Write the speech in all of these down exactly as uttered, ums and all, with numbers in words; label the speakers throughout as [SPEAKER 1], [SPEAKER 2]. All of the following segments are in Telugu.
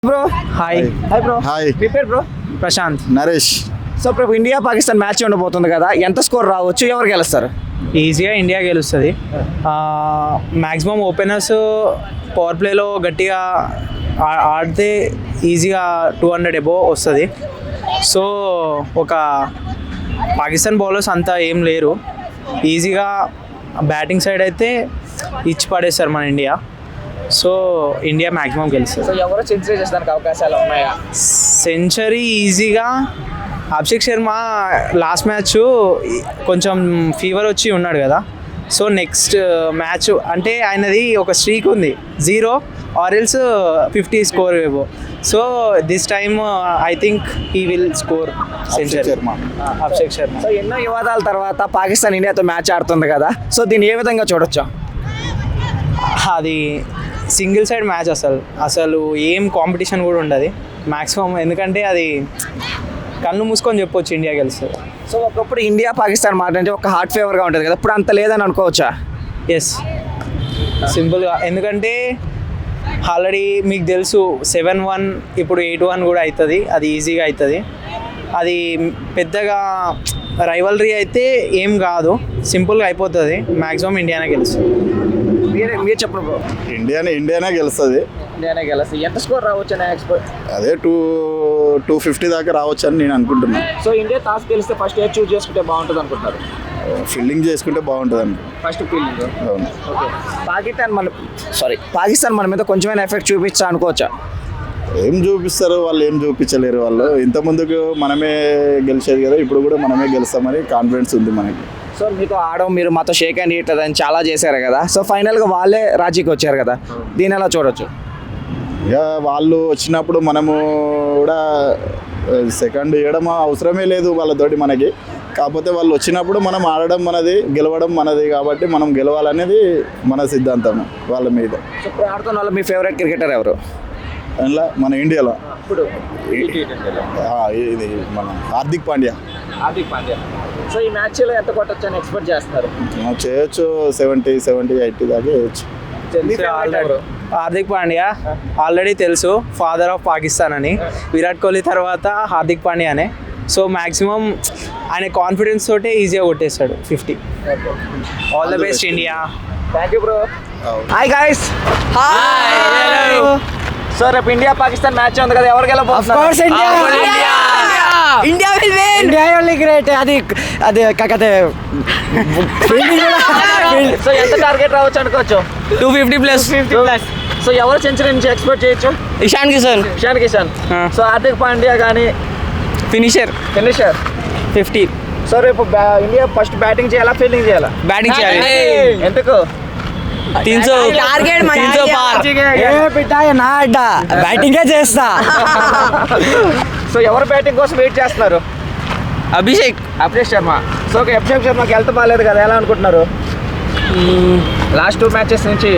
[SPEAKER 1] Bro hi hi bro
[SPEAKER 2] hi
[SPEAKER 1] మీ పేరు బ్రో? ప్రశాంత్.
[SPEAKER 2] నరేష్.
[SPEAKER 1] సో ఇప్పుడు ఇండియా పాకిస్తాన్ మ్యాచ్ ఉండబోతుంది కదా, ఎంత స్కోర్ రావచ్చు, ఎవరు గెలుస్తారు?
[SPEAKER 3] ఈజీగా ఇండియా గెలుస్తుంది. మ్యాక్సిమం ఓపెనర్స్ పవర్ ప్లేలో గట్టిగా ఆ- ఆడితే ఈజీగా టూ హండ్రెడ్ ఎబో వస్తుంది. సో ఒక పాకిస్తాన్ బౌలర్స్ అంతా ఏం లేరు, ఈజీగా బ్యాటింగ్ సైడ్ అయితే ఇచ్చి పడేస్తారు మన ఇండియా. సో ఇండియా మ్యాక్సిమం గెలుస్తుంది.
[SPEAKER 1] సో ఎవరు సెంచరీ చేసడానికి అవకాశాలు ఉన్నాయా?
[SPEAKER 3] సెంచరీ ఈజీగా అభిషేక్ శర్మ లాస్ట్ మ్యాచ్ కొంచెం ఫీవర్ వచ్చి ఉన్నాడు కదా, సో నెక్స్ట్ మ్యాచ్ అంటే ఆయనది ఒక స్ట్రీక్ ఉంది, జీరో ఆరెల్స్ ఫిఫ్టీ స్కోర్ ఏవో. So this time I think he will score century.
[SPEAKER 2] Sharma.
[SPEAKER 3] Abhishek Sharma.
[SPEAKER 1] So ఎన్నో వివాదాల తర్వాత పాకిస్తాన్ ఇండియాతో మ్యాచ్ ఆడుతుంది కదా, సో దీన్ని ఏ విధంగా చూడొచ్చు?
[SPEAKER 3] అది సింగిల్ సైడ్ మ్యాచ్, అసలు అసలు ఏం కాంపిటీషన్ కూడా ఉండదు మ్యాక్సిమం, ఎందుకంటే అది కళ్ళు మూసుకొని చెప్పొచ్చు ఇండియా గెలుస్తుంది.
[SPEAKER 1] సో ఒకప్పుడు ఇండియా పాకిస్తాన్ మాట అంటే ఒక హార్ట్ ఫేవర్గా ఉంటుంది కదా, ఇప్పుడు అంత లేదని అనుకోవచ్చా?
[SPEAKER 3] ఎస్, సింపుల్గా, ఎందుకంటే ఆల్రెడీ మీకు తెలుసు సెవెన్ వన్ ఇప్పుడు ఎయిట్ వన్ కూడా అవుతుంది, అది ఈజీగా అవుతుంది. అది పెద్దగా రైవలరీ అయితే ఏం కాదు, సింపుల్గా అయిపోతుంది, మ్యాక్సిమం ఇండియానే గెలుస్తుంది.
[SPEAKER 1] మీరే మీరు చెప్పండి బ్రో.
[SPEAKER 2] ఇండియానే ఇండియానే గెలుస్తుంది.
[SPEAKER 1] ఇండియానే గెలుస్తుంది. ఎంత స్కోర్ రావచ్చు అని ఎక్స్పెక్ట్?
[SPEAKER 2] అదే టూ టూ ఫిఫ్టీ దాకా రావచ్చు అని నేను అనుకుంటున్నాను.
[SPEAKER 1] సో ఇండియా టాస్ గెలిస్తే ఫస్ట్ ఏ చూస్ చేసుకుంటే బాగుంటుంది అనుకుంటున్నారు?
[SPEAKER 2] ఫీల్డింగ్ చేసుకుంటే బాగుంటుంది అనుకో.
[SPEAKER 1] First fielding.
[SPEAKER 2] అవును.
[SPEAKER 1] ఓకే. పాకిస్తాన్ మన సారీ పాకిస్తాన్ మన మీద కొంచెమైనా ఎఫెక్ట్ చూపించా అనుకోవచ్చా?
[SPEAKER 2] ఏం చూపిస్తారు వాళ్ళు, ఏం చూపించలేరు వాళ్ళు. ఇంత ముందుకు మనమే గెలిచేది కదా, ఇప్పుడు కూడా మనమే గెలుస్తామని కాన్ఫిడెన్స్ ఉంది మనకి.
[SPEAKER 1] సో మీతో ఆడడం, మీరు మాతో షేక్ హ్యాండ్ ఇట్లా అని చాలా చేశారు కదా, సో ఫైనల్గా వాళ్ళే రాజీకి వచ్చారు కదా, దీని ఎలా చూడొచ్చు?
[SPEAKER 2] ఇక వాళ్ళు వచ్చినప్పుడు మనము కూడా సెకండ్ ఇవ్వడం అవసరమే లేదు వాళ్ళతోటి మనకి. కాకపోతే వాళ్ళు వచ్చినప్పుడు మనం ఆడడం మనది, గెలవడం మనది, కాబట్టి మనం గెలవాలనేది మన సిద్ధాంతం వాళ్ళ మీద.
[SPEAKER 1] సో ఇప్పుడు ఆడుతున్న వాళ్ళు మీ ఫేవరెట్ క్రికెటర్ ఎవరు?
[SPEAKER 2] అందులో మన ఇండియాలో
[SPEAKER 1] ఇప్పుడు
[SPEAKER 2] ఆ, ఇది మన హార్దిక్ పాండ్యా.
[SPEAKER 1] హార్దిక్ పాండ్యా. సో ఈ మ్యాచ్లో ఎంత కొట్టొచ్చు అని ఎక్స్పెక్ట్ చేస్తున్నారు?
[SPEAKER 2] మనం చేయొచ్చు, సెవెంటీ సెవెంటీ ఎయిటీ దాకా చేయొచ్చు.
[SPEAKER 1] మీ favorite ఎవరు?
[SPEAKER 3] హార్దిక్ పాండ్యా ఆల్రెడీ తెలుసు, ఫాదర్ ఆఫ్ పాకిస్తాన్ అని. విరాట్ కోహ్లీ తర్వాత హార్దిక్ పాండ్యానే. సో మ్యాక్సిమం ఆయన కాన్ఫిడెన్స్ తోటే ఈజీగా కొట్టేస్తాడు fifty. All the best India.
[SPEAKER 1] Thank you bro. Hi guys. Hi. So రేపు ఇండియా పాకిస్తాన్ మ్యాచ్ ఉంది కదా, ఎవరు గెలవబోతున్నారు?
[SPEAKER 4] India will win. India only great. అది అది కాకతే
[SPEAKER 1] సో ఎంత టార్గెట్ రావచ్చు అనుకోవచ్చు?
[SPEAKER 4] టూ ఫిఫ్టీ ప్లస్
[SPEAKER 1] సో ఎవరు సెంచరీ నుంచి ఎక్స్పెక్ట్ చేయొచ్చు?
[SPEAKER 4] ఇషాన్ కిషన్
[SPEAKER 1] ఇషాన్ కిషన్. సో హార్దిక్ పాండ్యా కానీ
[SPEAKER 4] ఫినిషర్
[SPEAKER 1] ఫినిషర్
[SPEAKER 4] ఫిఫ్టీ.
[SPEAKER 1] సో రేపు బ్యా- ఇండియా ఫస్ట్ బ్యాటింగ్ చేయాలా, ఫీల్డింగ్ చేయాలా?
[SPEAKER 4] బ్యాటింగ్ చేయాలి.
[SPEAKER 1] ఎందుకు?
[SPEAKER 4] తీన్ సో టార్గెట్ తీన్ సో పార్. ఏ బిడ్డ నా అడ్డ బ్యాటింగే చేస్తా.
[SPEAKER 1] సో ఎవరు బ్యాటింగ్ కోసం వెయిట్ చేస్తున్నారు?
[SPEAKER 4] అభిషేక్
[SPEAKER 1] అభిషేక్ శర్మ. సో ఓకే, అభిషేక్ శర్మకి హెల్త్ బాగాలేదు కదా, ఎలా అనుకుంటున్నారు? లాస్ట్ టూ మ్యాచెస్ నుంచి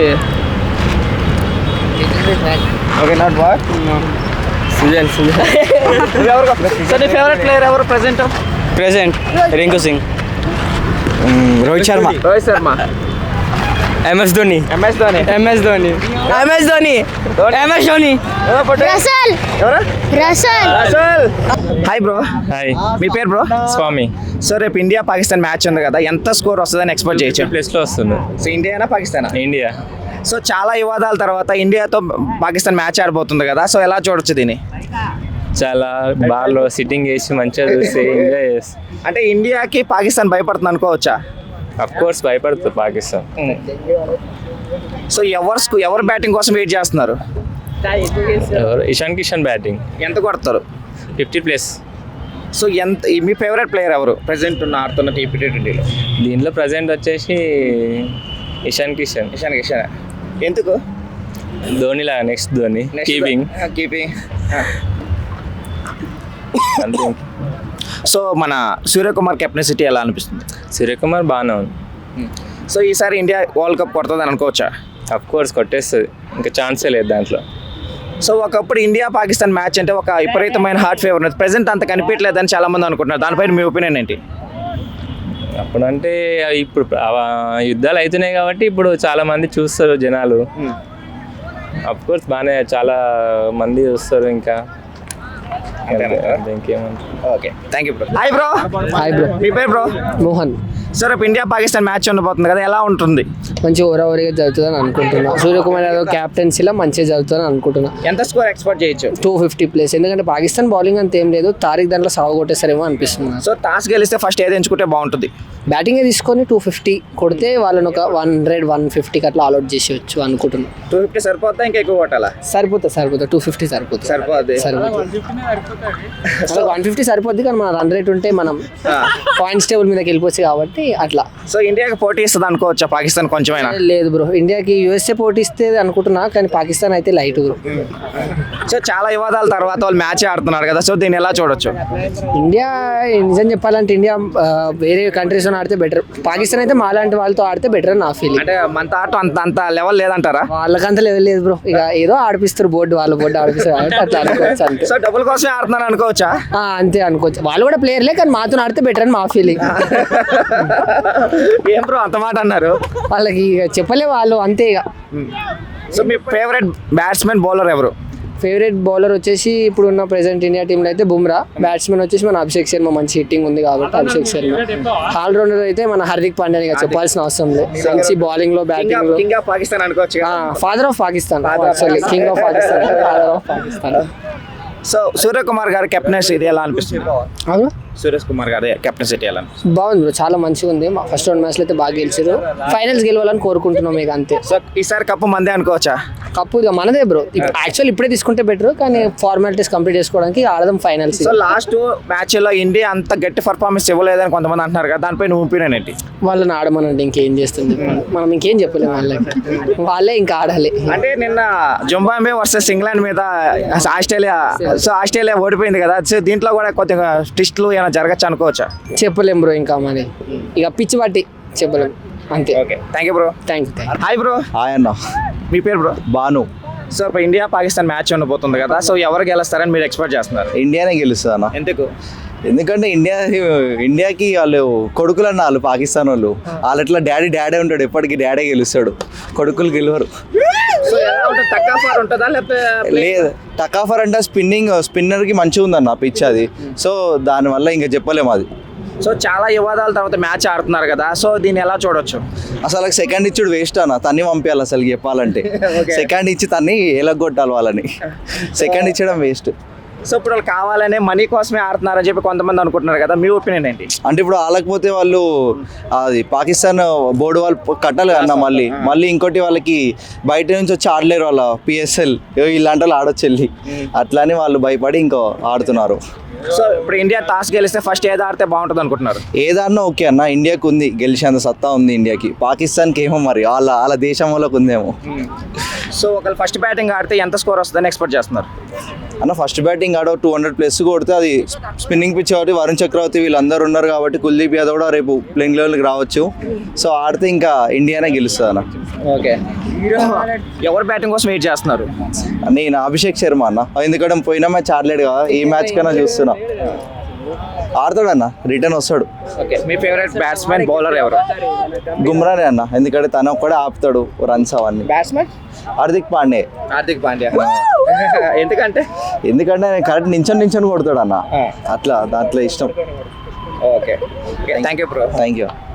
[SPEAKER 1] okay not bad.
[SPEAKER 4] Sujan Sujan
[SPEAKER 1] ఎవరు? సో నీ ఫేవరెట్ ప్లేయర్ ఎవరు present?
[SPEAKER 4] Present Rinku Singh, Rohit Sharma,
[SPEAKER 1] Rohit Sharma,
[SPEAKER 4] MS Dhoni,
[SPEAKER 1] MS Dhoni,
[SPEAKER 4] MS Dhoni, MS Dhoni, MS Dhoni.
[SPEAKER 5] Russell
[SPEAKER 1] ఎవరు?
[SPEAKER 5] Russell
[SPEAKER 1] Russell. Hi bro.
[SPEAKER 3] Hi,
[SPEAKER 1] మీ పేరు బ్రో?
[SPEAKER 3] స్వామి.
[SPEAKER 1] సో రేపు ఇండియా పాకిస్తాన్ మ్యాచ్ ఉంది కదా, ఎంత స్కోర్ వస్తుందని ఎక్స్పెక్ట్ చేయొచ్చు?
[SPEAKER 3] ప్లేస్లో వస్తుంది
[SPEAKER 1] సో ఇండియానా పాకిస్తానా?
[SPEAKER 3] ఇండియా.
[SPEAKER 1] సో చాలా వివాదాల తర్వాత ఇండియాతో పాకిస్తాన్ మ్యాచ్ ఆడబోతుంది కదా, సో ఎలా చూడొచ్చు దీన్ని?
[SPEAKER 6] చాలా బాగా సిట్టింగ్ చేసి మంచిగా చూసి ఎంజాయ్ చేసి.
[SPEAKER 1] అంటే ఇండియాకి పాకిస్తాన్ భయపడుతుంది అనుకోవచ్చా?
[SPEAKER 6] అఫ్ కోర్స్ భయపడుతుంది పాకిస్తాన్.
[SPEAKER 1] సో ఎవరు స్కూ- ఎవరు బ్యాటింగ్ కోసం వెయిట్ చేస్తున్నారు?
[SPEAKER 6] ఎవరు? ఇషాన్ కిషన్ బ్యాటింగ్
[SPEAKER 1] ఎంత కొడతారు?
[SPEAKER 6] Fifty plus.
[SPEAKER 1] సో ఎంత మీ ఫేవరెట్ ప్లేయర్ ఎవరు ప్రెసెంట్ ఉన్న ఆడుతున్న టీపీ ట్వంటీలో?
[SPEAKER 6] దీంట్లో ప్రజెంట్ వచ్చేసి ఇషాన్ కిషన్.
[SPEAKER 1] ఇషాన్ కిషన్. ఎందుకు?
[SPEAKER 6] ధోని లాగా నెక్స్ట్ ధోని కీపింగ్
[SPEAKER 1] కీపింగ్.
[SPEAKER 6] అంతే.
[SPEAKER 1] సో మన సూర్యకుమార్ కెప్టెన్సీ ఎలా అనిపిస్తుంది?
[SPEAKER 6] సూర్యకుమార్ బాగానే ఉంది.
[SPEAKER 1] సో ఈసారి ఇండియా వరల్డ్ కప్ కొడుతుందని అనుకోవచ్చా?
[SPEAKER 6] అఫ్ కోర్స్ కొట్టేస్తుంది, ఇంకా ఛాన్సే లేదు దాంట్లో.
[SPEAKER 1] సో ఒకప్పుడు ఇండియా పాకిస్తాన్ మ్యాచ్ అంటే ఒక విపరీతమైన హార్ట్ ఫేవర్ ఉన్నది, ప్రెసెంట్ అంత కనిపించలేదని చాలా మంది అనుకుంటున్నారు, దానిపైన మీ ఒపీనియన్ ఏంటి?
[SPEAKER 6] అప్పుడంటే ఇప్పుడు ఆ యుద్ధాలు అవుతున్నాయి కాబట్టి ఇప్పుడు చాలా మంది చూస్తారు జనాలు. అఫ్ కోర్స్ బాగానే చాలా మంది వస్తారు ఇంకా అంతే, ఇంకేమంటారు.
[SPEAKER 1] Okay thank you bro. Hi bro.
[SPEAKER 7] Hi bro.
[SPEAKER 1] మీ పేరు బ్రో?
[SPEAKER 7] మోహన్.
[SPEAKER 1] సార్ రేపు ఇండియా పాకిస్తాన్ మ్యాచ్ ఉండబోతుంది కదా, ఎలా ఉంటుంది?
[SPEAKER 7] మంచి ఓవరావరిగా జరుగుతుందని అనుకుంటున్నా. సూర్యకుమార్ యాదవ్ క్యాప్టెన్సీలో మంచిగా జరుగుతుందని అనుకుంటున్నా.
[SPEAKER 1] ఎంత స్కోర్ ఎక్స్పెక్ట్ చేయొచ్చు?
[SPEAKER 7] టూ ఫిఫ్టీ ప్లేస్, ఎందుకంటే పాకిస్తాన్ బౌలింగ్ అంత ఏం లేదు. తారీఖ్ దాంట్లో సాగు కొట్టేస్తారేమో అనిపిస్తుంది.
[SPEAKER 1] సో టాస్ గెలిస్తే ఫస్ట్ ఏది ఎంచుకుంటే బాగుంటుంది?
[SPEAKER 7] బ్యాటింగే తీసుకొని టూ ఫిఫ్టీ కొడితే వాళ్ళని ఒక వన్ హండ్రెడ్ వన్ ఫిఫ్టీకి అట్లా ఆల్అౌట్ చేసేయచ్చు అనుకుంటున్నాను.
[SPEAKER 1] టూ ఫిఫ్టీ సరిపోతా ఇంకా ఎక్కువ కొట్టాలా?
[SPEAKER 7] సరిపోతుంది సరిపోతుంది టూ ఫిఫ్టీ సరిపోతుంది
[SPEAKER 1] సరిపోద్ది.
[SPEAKER 7] సరిపోతుంది వన్ ఫిఫ్టీ సరిపోద్ది, కానీ మన రన్ రేట్ ఉంటే మనం పాయింట్స్ టేబుల్ మీదకి వెళ్ళిపోవచ్చు కాబట్టి అట్లా.
[SPEAKER 1] సో ఇండియాకి పోటీ ఇస్తుంది అనుకోవచ్చా పాకిస్తాన్ కొంచెమైనా?
[SPEAKER 7] లేదు బ్రో, ఇండియాకి యూఎస్ఏ పోటీ ఇస్తే అనుకుంటున్నా, కానీ పాకిస్తాన్ అయితే లైట్ బ్రో.
[SPEAKER 1] సో చాలా వివాదాల తర్వాత వాళ్ళు మ్యాచ్ ఆడుతున్నారు కదా, సో దీన్ని ఎలా చూడొచ్చు?
[SPEAKER 7] ఇండియా నిజం చెప్పాలంటే ఇండియా ఆ, వేరే కంట్రీస్తో ఆడితే బెటర్. పాకిస్తాన్ అయితే మాలాంటి వాళ్ళతో ఆడితే బెటర్ అని నా ఫీలింగ్.
[SPEAKER 1] అంటే మన ఆట అంత అంత లెవెల్ లేదంటారా?
[SPEAKER 7] వాళ్ళకంత లెవెల్ లేదు బ్రో, ఇక ఏదో ఆడిపిస్తారు బోర్డు, వాళ్ళ బోర్డు ఆడిపిస్తారు కాబట్టి అట్లా అనుకోవచ్చు అంతే.
[SPEAKER 1] సో డబ్బుల కోసమే ఆడుతున్నారు అనుకోవచ్చా?
[SPEAKER 7] ఆ, అంతే అనుకోవచ్చు. వాళ్ళు కూడా ప్లేయర్లే, కానీ మాతో ఆడితే బెటర్ అని మా ఫీలింగ్.
[SPEAKER 1] ఏం బ్రో అంత మాట అన్నారు?
[SPEAKER 7] వాళ్ళకి ఇక చెప్పలే వాళ్ళు, అంతే ఇక.
[SPEAKER 1] సో మీ ఫేవరెట్ బ్యాట్స్మెన్ బౌలర్ ఎవరు?
[SPEAKER 7] ఫేవరెట్ బౌలర్ వచ్చేసి ఇప్పుడు ఉన్న ప్రెసెంట్ ఇండియా టీంలో అయితే బుమ్రా. బ్యాట్స్మెన్ వచ్చేసి మన అభిషేక్ శర్మ, మంచి హిట్టింగ్ ఉంది కాబట్టి అభిషేక్ శర్మ. ఆల్రౌండర్ అయితే మన హార్దిక్ పాండ్యా, ఇక చెప్పాల్సిన అవసరం లేదు. మంచి బౌలింగ్ లో బ్యాటింగ్ లో
[SPEAKER 1] కింగ్ ఆఫ్ పాకిస్తాన్ అనుకోవచ్చు.
[SPEAKER 7] Father of Pakistan, sorry king of Pakistan, father of Pakistan.
[SPEAKER 1] So Suryakumar గారి కెప్టెన్సీ ఇది ఎలా అనిపిస్తుంది?
[SPEAKER 7] అవును,
[SPEAKER 1] సురేష్ కుమార్ గారి కెప్టెన్సీ ఎలా అనిపిస్తుంది?
[SPEAKER 7] బాగుంది బ్రో, చాలా మంచిగా ఉంది. ఫస్ట్ రెండు మ్యాచ్లు అయితే బాగా గెలిచారు. ఫైనల్స్ గెలవాలని కోరుకుంటున్నాం ఇక అంతే.
[SPEAKER 1] సో ఈసారి కప్పు మందే అనుకోవచ్చా?
[SPEAKER 7] కప్పు ఇక మనదే బ్రో. యాక్చువల్ ఇప్పుడే తీసుకుంటే బెటర్, కానీ ఫార్మాలిటీస్ కంప్లీట్ చేసుకోవడానికి ఆడదాం ఫైనల్స్.
[SPEAKER 1] సో లాస్ట్ మ్యాచ్ లో ఇండియా అంత గట్టి పర్ఫార్మెన్స్ ఇవ్వలేదని కొంతమంది అంటున్నారు కదా, దానిపై నువ్వు ఒపీనియన్ ఏంటి?
[SPEAKER 7] వాళ్ళని ఆడమనంటే ఇంకేం చేస్తుంది, మనం ఇంకేం చెప్పలేము వాళ్ళకి, వాళ్ళే ఇంకా ఆడాలి.
[SPEAKER 1] అంటే నిన్న జింబాబ్వే వర్సెస్ ఇంగ్లాండ్ మీద ఆస్ట్రేలియా, సో ఆస్ట్రేలియా ఓడిపోయింది కదా, సో దీంట్లో కూడా కొద్దిగా ట్విస్ట్లు ఏమైనా జరగచ్చు అనుకోవచ్చా?
[SPEAKER 7] చెప్పలేం బ్రో, ఇంకా మరి ఇక పిచ్చి పట్టి చెప్పలేం అంతే.
[SPEAKER 1] Okay thank you bro.
[SPEAKER 7] Thank you.
[SPEAKER 1] Hi bro.
[SPEAKER 2] Hi అన్న.
[SPEAKER 1] మీ పేరు బ్రో?
[SPEAKER 2] బాను.
[SPEAKER 1] సో ఇప్పుడు ఇండియా పాకిస్తాన్ మ్యాచ్ ఉండబోతుంది కదా, సో ఎవరు గెలుస్తారని మీరు ఎక్స్పెక్ట్ చేస్తున్నారు?
[SPEAKER 2] ఇండియానే గెలుస్తుంది అన్న.
[SPEAKER 1] ఎందుకు?
[SPEAKER 2] ఎందుకంటే ఇండియా ఇండియాకి వాళ్ళు కొడుకులు అన్న, వాళ్ళు పాకిస్తాన్ వాళ్ళు వాళ్ళు ఎట్లా డాడీ డాడీ ఉంటాడు, ఎప్పటికీ డాడీ గెలుస్తాడు, కొడుకులు గెలవరు.
[SPEAKER 1] సో ఎలా ఉంటుంది? తక్కువ ఫార్ ఉంటుందా లేకపోతే?
[SPEAKER 2] లేదు, టకాఫర్ అంటే స్పిన్నింగ్ స్పిన్నర్కి మంచిగా ఉందన్న పిచ్ అది, సో దానివల్ల ఇంకా చెప్పలేము అది.
[SPEAKER 1] సో చాలా వివాదాల తర్వాత మ్యాచ్ ఆడుతున్నారు కదా, సో దీన్ని ఎలా చూడొచ్చు?
[SPEAKER 2] అసలు సెకండ్ ఇచ్చుడు వేస్ట్ అన్న, తన్ని పంపించాలి అసలు చెప్పాలంటే. సెకండ్ ఇచ్చి తన్ని ఎలగొట్టాలి వాళ్ళని, సెకండ్ ఇచ్చడం వేస్ట్.
[SPEAKER 1] సో ఇప్పుడు వాళ్ళు కావాలనే మనీ కోసమే ఆడుతున్నారని చెప్పి కొంతమంది అనుకుంటున్నారు కదా, మీ ఒపీనియన్ ఏంటి?
[SPEAKER 2] అంటే ఇప్పుడు ఆలకపోతే వాళ్ళు అది పాకిస్తాన్ బోర్డు వాళ్ళు కట్టాలి అన్న, మళ్ళీ మళ్ళీ ఇంకోటి వాళ్ళకి బయట నుంచి వచ్చి ఆడలేరు, వాళ్ళ పిఎస్ఎల్ ఇలాంటి వాళ్ళు ఆడొచ్చు వెళ్ళి, అట్లానే వాళ్ళు భయపడి ఇంకో ఆడుతున్నారు.
[SPEAKER 1] సో ఇప్పుడు ఇండియా టాస్ గెలిస్తే ఫస్ట్ ఏది ఆడితే బాగుంటుంది అనుకుంటున్నారు?
[SPEAKER 2] ఏదన్నా ఓకే అన్న, ఇండియాకి ఉంది గెలిచేంత సత్తా ఉంది ఇండియాకి, పాకిస్తాన్కి ఏమో మరి వాళ్ళ వాళ్ళ దేశం వాళ్ళకి ఉందేమో.
[SPEAKER 1] సో ఒకవేళ ఫస్ట్ బ్యాటింగ్ ఆడితే ఎంత స్కోర్ వస్తుందని ఎక్స్పెక్ట్ చేస్తున్నారు?
[SPEAKER 2] అన్న ఫస్ట్ బ్యాటింగ్ ఆడ టూ హండ్రెడ్ ప్లస్ కొడితే అది స్పిన్నింగ్ పిచ్ కాబట్టి వరుణ్ చక్రవర్తి వీళ్ళందరూ ఉన్నారు కాబట్టి కుల్దీప్ యాదవ్ కూడా రేపు ప్లేయింగ్ లెవెల్కి రావచ్చు. సో ఆడితే ఇంకా ఇండియానే గెలుస్తుంది అన్న.
[SPEAKER 1] ఓకే, ఎవరు బ్యాటింగ్ కోసం వెయిట్ చేస్తున్నారు?
[SPEAKER 2] నేను అభిషేక్ శర్మ అన్న, ఎందుకంటే పోయిన మ్యాచ్ ఆడలేడు కదా, ఈ మ్యాచ్ కన్నా చూస్తున్నా ఆడతాడన్న, రిటర్న్ వస్తాడు.
[SPEAKER 1] ఓకే, మీ ఫేవరెట్ బ్యాట్స్మెన్ బౌలర్ ఎవరు?
[SPEAKER 2] గుమ్రానే అన్న, ఎందుకంటే తను ఒక్కడే ఆపుతాడు రన్స్ అవన్నీ.
[SPEAKER 1] బ్యాట్స్మెన్
[SPEAKER 2] హార్దిక్ పాండే.
[SPEAKER 1] హార్దిక్ పాండ్యా. ఎందుకంటే?
[SPEAKER 2] ఎందుకంటే ఆయన కరెక్ట్ నించొని నించొని కొడతాడు అన్న, అట్లా దాంట్లో ఇష్టం.
[SPEAKER 1] Okay thank you bro.
[SPEAKER 2] Thank you.